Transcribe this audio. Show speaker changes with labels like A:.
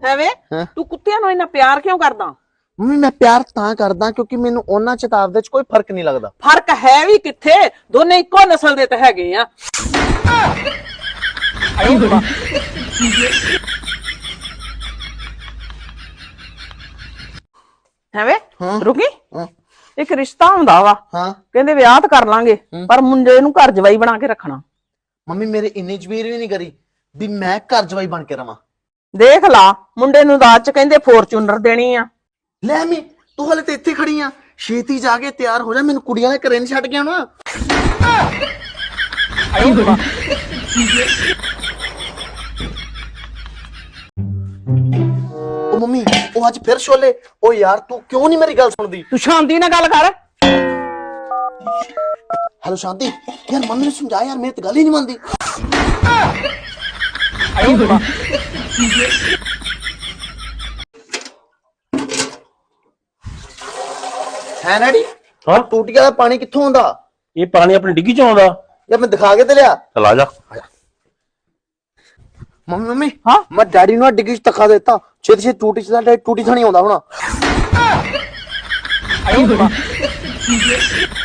A: ਐਵੇਂ ਤੂੰ ਕੁੱਤਿਆਂ ਨੂੰ ਇੰਨਾ ਪਿਆਰ ਕਿਉਂ ਕਰਦਾ?
B: ਮੰਮੀ ਮੈਂ ਪਿਆਰ ਤਾਂ ਕਰਦਾ ਕਿਉਂਕਿ ਮੈਨੂੰ ਉਹਨਾਂ ਚ ਤਾਂ ਆਪਦੇ ਚ ਕੋਈ ਫਰਕ ਨਹੀਂ ਲੱਗਦਾ।
A: ਫਰਕ ਹੈ ਵੀ ਕਿੱਥੇ, ਦੋਨੇ ਇੱਕੋ ਨਸਲ ਦੇ ਤਾਂ ਹੈਗੇ ਆ। ਐਵੇਂ ਰੁਕੀ, ਇੱਕ ਰਿਸ਼ਤਾ ਹੁੰਦਾ ਵਾ, ਕਹਿੰਦੇ ਵਿਆਹ ਤਾਂ ਕਰ ਲਾਂਗੇ ਪਰ ਮੁੰਡੇ ਨੂੰ ਘਰ ਜਵਾਈ ਬਣਾ ਕੇ ਰੱਖਣਾ।
B: ਮੰਮੀ ਮੇਰੇ ਇੰਨੀ ਜ਼ਬੀਰ ਵੀ ਨਹੀਂ ਕਰੀ ਵੀ ਮੈਂ ਘਰ ਜਵਾਈ ਬਣ ਕੇ ਰਵਾਂ।
A: ਦੇਖ ਲਾ, ਮੁੰਡੇ ਨੂੰ ਦਾਜ ਚ ਕਹਿੰਦੇ ਫੋਰਚੂਨਰ ਦੇਣੀ ਆ।
B: ਲੈ ਮੈਂ ਤੂੰ ਹਲੇ ਤੇ ਇੱਥੇ ਖੜੀ ਆ, ਛੇਤੀ ਜਾ ਕੇ ਤਿਆਰ ਹੋ ਜਾ, ਮੈਨੂੰ ਕੁੜੀਆਂ ਦੇ ਘਰੇ ਨਹੀਂ ਛੱਡ ਕੇ ਆਉਣਾ। ਉਹ ਮੰਮੀ ਉਹ ਅੱਜ ਫਿਰ ਛੋਲੇ। ਉਹ ਯਾਰ ਤੂੰ ਕਿਉਂ ਨਹੀਂ ਮੇਰੀ ਗੱਲ ਸੁਣਦੀ?
A: ਤੂੰ ਸ਼ਾਂਤੀ ਨਾਲ ਗੱਲ ਕਰ।
B: ਹੈਲੋ ਸ਼ਾਂਤੀ, ਯਾਰ ਮੰਮੀ ਨੂੰ ਸਮਝਾ ਯਾਰ, ਮੇਰੀ ਤਾਂ ਗੱਲ ਹੀ ਨਹੀਂ ਮੰਨਦੀ। ਹੈ ਨੈਡੀ
C: ਹਾਂ
B: ਟੂਟੀਆਂ ਦਾ ਪਾਣੀ ਕਿੱਥੋਂ ਆਉਂਦਾ?
C: ਇਹ ਪਾਣੀ ਆਪਣੀ ਡਿੱਗੀ ਚ ਆਉਂਦਾ।
B: ਯਾਰ ਮੈਂ ਦਿਖਾ ਕੇ ਤੇ ਲਿਆ।
C: ਚਲ ਆ ਜਾ।
B: ਮੰਮੀ ਹਾਂ ਮੈਂ ਡੈਡੀ ਨੂੰ ਡਿੱਗੀ ਚ ਧੱਕਾ ਦਿੱਤਾ, ਛੇਤੀ ਛੇਤੀ ਟੂਟੀ ਚ ਟੂਟੀ ਥਾਣੀ ਆਉਂਦਾ ਹੋਣਾ।